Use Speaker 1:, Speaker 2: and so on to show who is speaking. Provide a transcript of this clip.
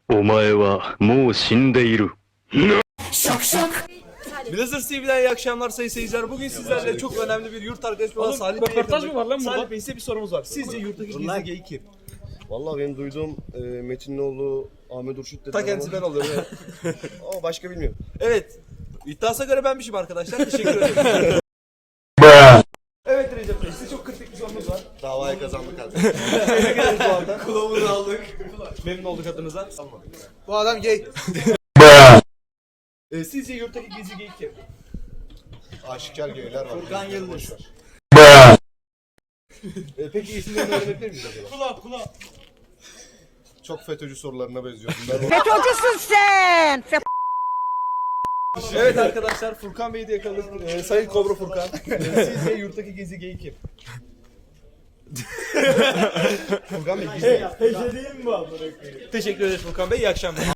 Speaker 1: お前はもう死んでいる。
Speaker 2: Blazer TV'den iyi akşamlar sayın seyirciler. Bugün sizlerle çok önemli bir yurt arkadaşım olan Salih Bey'e
Speaker 3: röportaj mı var lan burada?
Speaker 2: Salih Bey, size bir sorumuz var. Sizce yurttaki gizli gay kim?
Speaker 4: Vallahi benim duyduğum Metinoğlu, Ahmet Urşut dedi.
Speaker 2: Ta kendisi ben oluyorum. Evet.
Speaker 4: Ama başka bilmiyorum.
Speaker 2: Evet. İddiasına göre benmişim arkadaşlar. Teşekkür ederim. Evet Recep Bey, size çok kritik bir sorumuz var.
Speaker 4: Davayı kazandık abi.
Speaker 2: Tebrik ederiz bu arada. Kulağımızı aldık. Memnun olduk adınıza. Tamam. Bu adam gay. Sizce yurttaki gizli gay kim?
Speaker 4: Aşikar geyler var.
Speaker 2: Furkan Yıldız.
Speaker 4: Peki isimlerini öğrenebilir miyiz acaba?
Speaker 2: Kula.
Speaker 4: Çok FETÖ'cü sorularına benziyor bunlar.
Speaker 5: FETÖ'cüsün sen.
Speaker 2: Evet arkadaşlar, Furkan Bey'i de yakaladık. Sayın Kobra Furkan. Sizce yurttaki gizli gay kim?
Speaker 4: Furkan Bey gizli.
Speaker 2: Teşekkür ederiz Furkan Bey. İyi akşamlar.